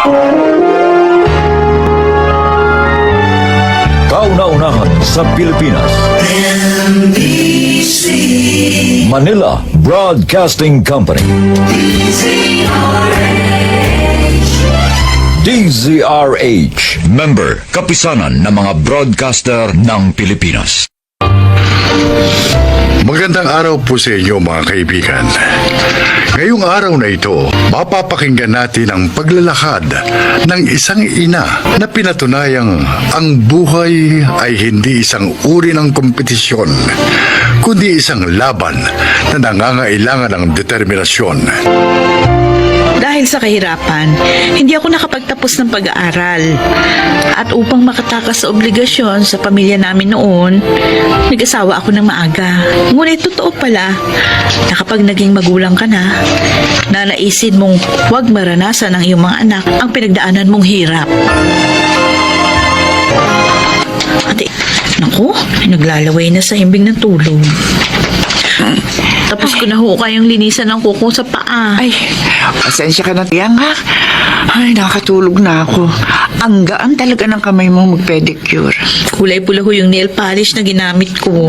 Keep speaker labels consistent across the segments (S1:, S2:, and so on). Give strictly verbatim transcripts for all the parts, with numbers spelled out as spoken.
S1: Kauna-unahan sa Pilipinas.
S2: M B C
S1: Manila Broadcasting Company.
S2: D Z R H.
S1: D Z R H. Member, kapisanan ng mga broadcaster ng Pilipinas.
S3: Magandang araw po sa inyo mga kaibigan. Ngayong araw na ito, mapapakinggan natin ang paglalakad ng isang ina na pinatunayang ang buhay ay hindi isang uri ng kompetisyon, kundi isang laban na nangangailangan ng determinasyon.
S4: Dahil sa kahirapan, hindi ako nakapagtapos ng pag-aaral. At upang makatakas sa obligasyon sa pamilya namin noon, nag-asawa ako ng maaga. Ngunit totoo pala na kapag naging magulang ka na, nanaisin mong huwag maranasan ng iyong mga anak ang pinagdaanan mong hirap. Ate, naku, naglalaway na sa himbing ng tulog. Tapos ko na ho kayang linisan ng kuko sa paa.
S5: Ay, pasensya ka na, tiyang ha? Ay, nakatulog na ako. Ang gaan talaga ng kamay mo mag-pedicure.
S4: Kulay pula ho yung nail polish na ginamit ko.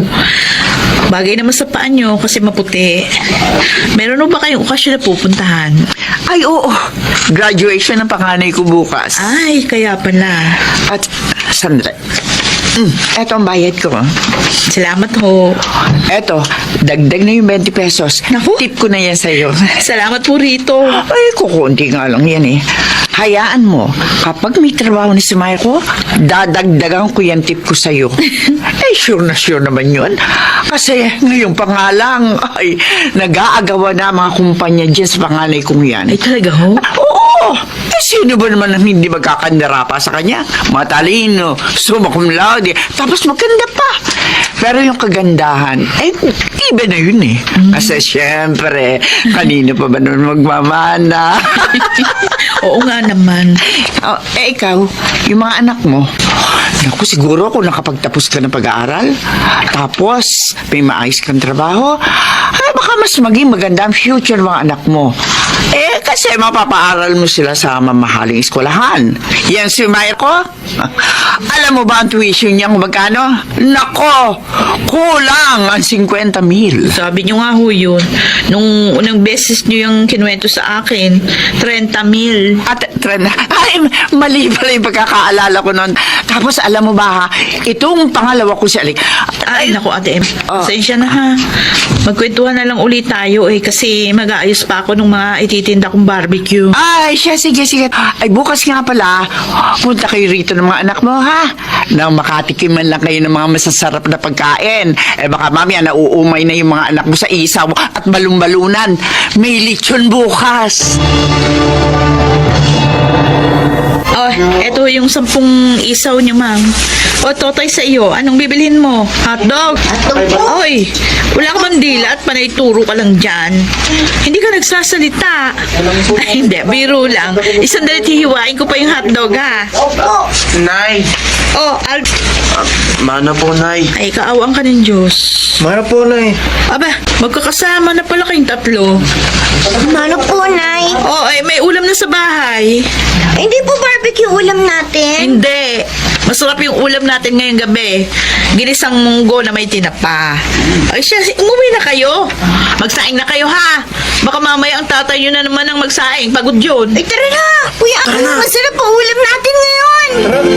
S4: Bagay naman sa paa nyo kasi maputi. Meron ho ba kayong okasyon na pupuntahan?
S5: Ay, oo. Graduation ng panganay ko bukas.
S4: Ay, kaya pala.
S5: At, sandali. Mm, eto ang bayad ko.
S4: Salamat ho.
S5: Eto, dagdag na yung twenty pesos.
S4: Naku.
S5: Tip ko na yan sa'yo.
S4: Salamat po rito.
S5: Ay, kukunti nga lang yan eh. Hayaan mo, kapag may trabaho ni si Marco, dadagdagan ko yan tip ko sa'yo. Eh, sure na sure naman yun. Kasi ngayon pa nga lang, ay, nag-aagawa na mga kumpanya dyan sa panganay kong yan.
S4: Ay, talaga ho?
S5: Oo! Eh, sino ba naman ang hindi magkakandara pa sa kanya? Matalino, summa cum laude, tapos maganda pa. Pero yung kagandahan, eh, iba na yun eh. Kasi syempre, kanino pa ba nun magmamana?
S4: Oo nga naman.
S5: Oh, eh, ikaw, yung mga anak mo, naku, siguro kung nakapagtapos ka ng pag-aaral, tapos may maayos kang trabaho, ay baka mas maging maganda ang future ng mga anak mo. Eh, kasi mapapaaral mo sila sa mamahaling eskwelahan. Yan si Marco. Alam mo ba ang tuition niya kung magkano? Nako, kulang ang fifty mil.
S4: Sabi nyo nga ho yun. Nung unang beses nyo yung kinuwento sa akin, thirty mil.
S5: At, trend, ay, mali pala yung pagkakaalala ko noon. Tapos, alam mo ba ha, itong pangalawa ko si Alik.
S4: Ay, naku, Ate Em.
S5: Oh.
S4: Pasensya na ha. Magkwentuhan na lang ulit tayo eh kasi mag-aayos pa ako ng mga ititinda kong barbecue.
S5: Ay, siya, sige, sige. Ay, bukas nga pala, punta kayo rito ng mga anak mo, ha? Nang makatikim man lang kayo ng mga masasarap na pagkain. Eh, baka mamaya nauumay na yung mga anak mo sa isaw at balumbalunan. May lechon bukas.
S4: Oh, eto yung sampung isaw niyo, ma'am. O, Totoy sa iyo, anong bibilhin mo? Hotdog? Hotdog po. Oy, wala ka bang dila at panay turo ka lang dyan. Hindi ka nagsasalita. Ay, hindi, biro lang. Isang dalit hihiwain ko pa yung hotdog, ha?
S6: Nay!
S4: Oh, Al...
S6: Mana po, Nay.
S4: Ay, kaawang ka ng Diyos.
S6: Mana po, Nay.
S4: Aba, magkakasama na pala kayong tatlo.
S7: Mano po, Nay?
S4: Oh, ay, may ulam na sa bahay.
S7: Hindi po barbecue ulam natin.
S4: Hindi. Masarap yung ulam natin ngayong gabi. Ginisang munggo na may tinapa. Ay siya, umuwi na kayo. Magsaing na kayo, ha? Baka mamaya ang tatay nyo na naman ang magsaing. Pagod yun.
S7: Ay, tara na! Kuya, ako masarap po ulam natin ngayon.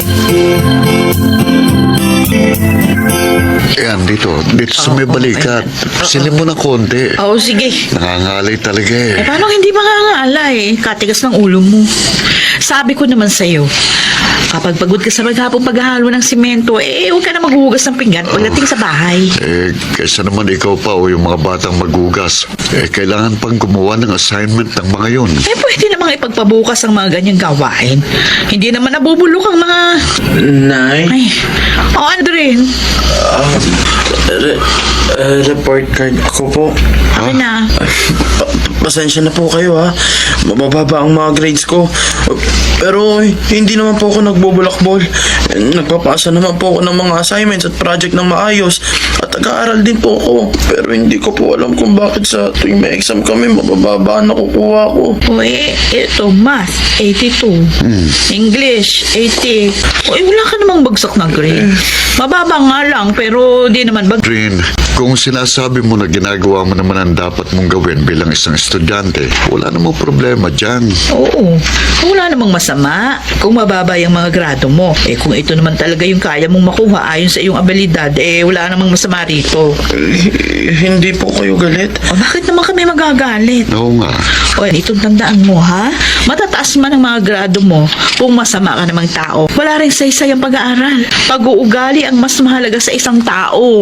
S3: Ayan, dito. Dito sa may balikat. Silin mo ng konti.
S4: Oo, sige.
S3: Nangangalay talaga
S4: Eh,
S3: eh.
S4: paano hindi makangaalay? Katigas ng ulo mo. Sabi ko naman sa'yo, kapag pagod ka sa maghapong paghahalo ng simento, eh, huwag ka na maghuhugas ng pinggan pagdating sa bahay.
S3: Eh, kaysa naman ikaw pa o yung mga batang magugas. Eh, kailangan pang gumawa ng assignment ng mga yun.
S4: Eh, pwede namang ipagpabukas ang mga ganyang gawain. Hindi naman nabubulok ang mga...
S6: Nay?
S4: Ay, oh, Andren.
S6: Re- uh, report card ako po.
S4: Akin na.
S6: Pa- pasensya na po kayo ha. Mabababa ang mga grades ko. Pero eh, hindi naman po ako nagbubulakbol. Nagpapasa naman po ako ng mga assignments at project ng maayos. At nag-aaral din po ako. Pero hindi ko po alam kung bakit sa tuwing may exam kami, mabababa ang nakukuha ko.
S4: O eh, ito, math, eighty-two. English, eighty. O eh, wala ka namang bagsak na grade. Mababa nga lang, pero di naman bag...
S3: Rin, kung sinasabi mo na ginagawa mo naman ang dapat mong gawin bilang isang estudyante, wala namang problema dyan.
S4: Oo, wala namang masama kung mababa yung mga grado mo. Eh kung ito naman talaga yung kaya mong makuha ayon sa iyong abilidad, eh wala namang masama rito.
S6: Eh, hindi po kayo galit.
S4: O bakit naman kami magagalit?
S3: Oo nga.
S4: O itong tandaan mo ha, matataas man ang mga grado mo kung masama ka namang tao. Wala rin saysay ang pag-aaral. Pag-uugali ang mas mahalaga sa isang tao.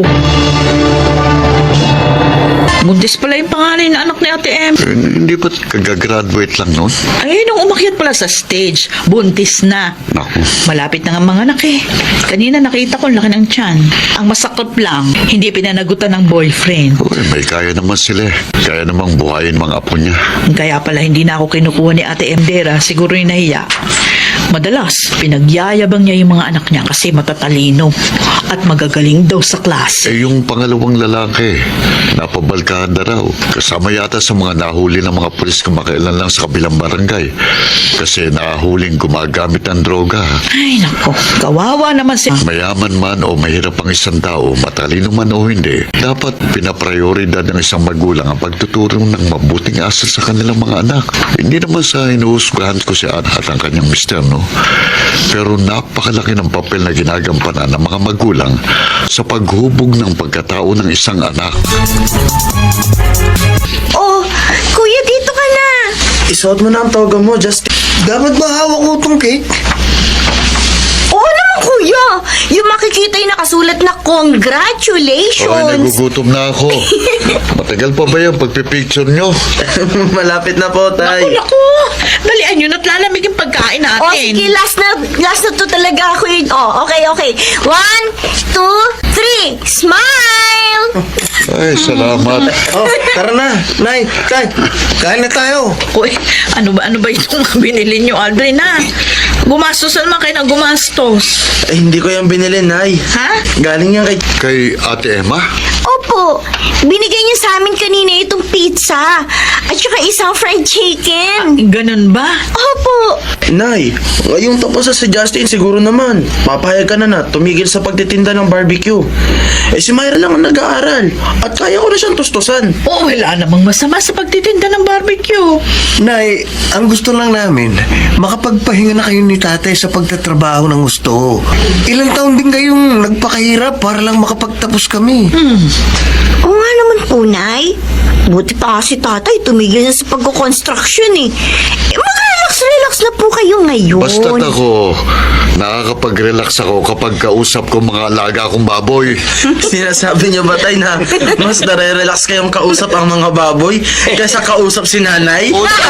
S4: Buntis pala yung panganay na anak ni Ate M.
S3: Eh, hindi ba't kagagraduate lang nun?
S4: Ay, nung umakyat pala sa stage, buntis na.
S3: Naku.
S4: Malapit na nga mga anak eh. Kanina nakita ko ang laki ng tiyan. Ang masakot lang, hindi pinanagutan ng boyfriend.
S3: Uy, may kaya naman sila. eh. Kaya namang buhayin mga apo niya.
S4: Kaya pala hindi na ako kinukuha ni Ate M Dera, siguro yung nahiya. Madalas, pinagyayabang niya yung mga anak niya kasi matatalino at magagaling daw sa klase.
S3: Eh, yung pangalawang lalaki, napabalkahan na raw. Kasama yata sa mga nahuli ng mga pulis kamakailan lang sa kabilang barangay. Kasi nahuling gumagamit ng droga.
S4: Ay, nako, kawawa naman si...
S3: Mayaman man o mahirap ang isang tao, matalino man o hindi, dapat pinaprioridad ng isang magulang ang pagtuturo ng mabuting asal sa kanilang mga anak. Hindi naman sa inuusgahan ko si Ana at ang kanyang mister, no? Pero napakalaki ng papel na ginagampanan ng mga magulang sa paghubog ng pagkatao ng isang anak.
S7: Oh, kuya, dito ka na.
S6: Isuot mo na ang toga mo, Justin.
S8: Dapat ba hawak ko itong cake?
S7: Oo naman, kuya. Yung makikita yung nakasulat na
S3: Okay,
S7: congratulations.
S3: nagugutom na ako. Matagal pa ba yung pagpipicture nyo?
S6: Malapit na po, tay.
S4: Naku, naku, dalian nyo na't lalamig yung pagkain natin.
S7: Oh, sige, last na, last na to talaga ako yun. Oh, okay, okay. One, two, three. Smile!
S3: Ay, salamat.
S8: Oh, tara na. Nay, tay, kain na tayo.
S4: Uy, ano ba, ano ba itong mga binili nyo, Aldrin, ha? Gumastos na naman kayo ng gumastos.
S6: Eh, hindi ko yung binili, Nay.
S4: Ha?
S6: Galing yan kay...
S3: Kay Ate Emma?
S7: Opo, binigay niya sa amin kanina itong pizza at saka isang fried chicken.
S4: Ganun ba?
S7: Opo.
S6: Nay, ngayong tapos na si Justin, siguro naman. Papayag ka na na, tumigil sa pagtitinda ng barbecue. Eh, si Myra lang ang nag-aaral. At kaya ko na siyang tustusan.
S4: Oo, wala namang masama sa pagtitinda ng barbecue.
S8: Nay, ang gusto lang namin, makapagpahinga na kayo ni tatay sa pagtatrabaho ng gusto. Ilang taon din kayong nagpakahirap para lang makapagtapos kami.
S7: Oo nga naman po, Nay. Buti pa kasi tatay tumigil na sa pagkukonstruction eh. eh Mag-relax-relax na po kayo ngayon.
S3: Basta't ako, nakakapag-relax ako kapag kausap ko mga alaga kong baboy.
S6: Sinasabi niyo ba, tay, na mas nare-relax kayong kausap ang mga baboy kaysa kausap si nanay?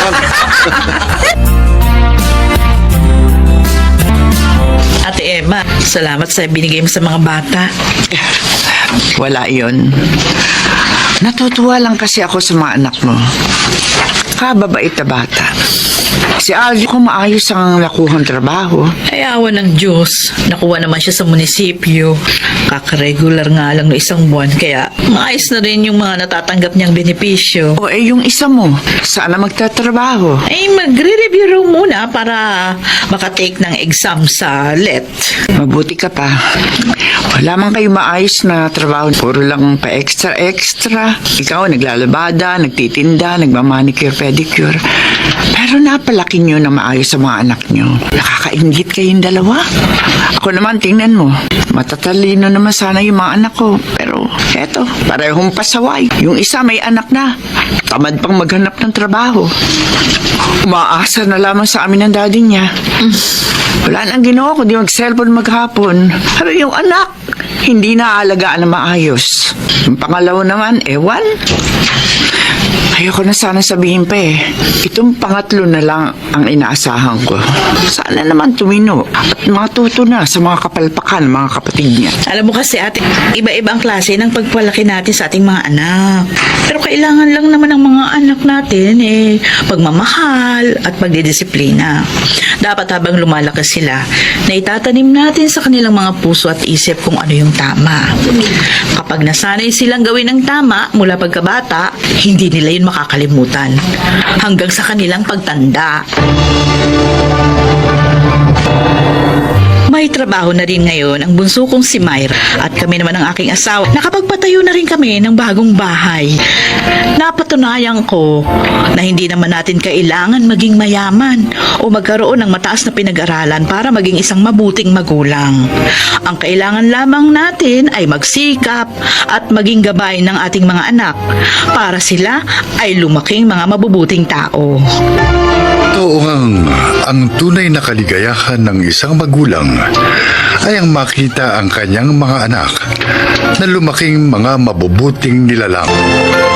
S4: Ate Emma, salamat sa binigay mo sa mga bata.
S5: Wala yon. Natutuwa lang kasi ako sa mga anak mo. Kababait na bata. Si Aldi ko maayos ang nakuhang trabaho.
S4: Ay, awa ng Diyos. Nakuha naman siya sa munisipyo. Kakaregular nga lang ng isang buwan, kaya maayos na rin yung mga natatanggap niyang benepisyo.
S5: O eh yung isa mo, sana magtatrabaho.
S4: Ay, magre-review raw muna para makatake ng exam sa L E T.
S5: Mabuti ka pa. Wala man kayo maayos na trabaho. Puro lang pa extra-extra. Ikaw naglalabada, nagtitinda, nagmamanicure, pedicure. Pero napalaki nyo na maayos sa mga anak nyo. Nakakaingit kayong dalawa. Ako naman, tingnan mo. Matatalino naman sana yung mga anak ko. Pero eto, parehong pasaway. Yung isa may anak na. Tamad pang maghanap ng trabaho. Umaasa na lamang sa amin ng daddy niya. Wala nang ginawa kundi mag-cellphone maghapon. Pero yung anak, hindi na alagaan na maayos. Yung pangalawa naman, ewan. Ayoko na sana sabihin pa eh. Itong pangatlo na lang ang inaasahan ko. Sana naman tumino at matuto na sa mga kapalpakan ng mga kapatid niya.
S4: Alam mo kasi ate, iba-iba ang klase ng pagpalaki natin sa ating mga anak. Pero kailangan lang naman ng mga anak natin eh, pagmamahal at pagdidisiplina. Dapat habang lumalaki sila, na itatanim natin sa kanilang mga puso at isip kung ano yung tama. Kapag nasanay silang gawin ang tama mula pagkabata, hindi nila yun makakalimutan. Hanggang sa kanilang pagtanda. May trabaho na rin ngayon ang bunso kong si Myra at kami naman ang aking asawa. Nakapagpatayo na rin kami ng bagong bahay. Napatunayan ko na hindi naman natin kailangan maging mayaman o magkaroon ng mataas na pinag-aralan para maging isang mabuting magulang. Ang kailangan lamang natin ay magsikap at maging gabay ng ating mga anak para sila ay lumaking mga mabubuting tao.
S3: Oo ngang ang tunay na kaligayahan ng isang magulang ay ang makita ang kanyang mga anak na lumaking mga mabubuting nilalang.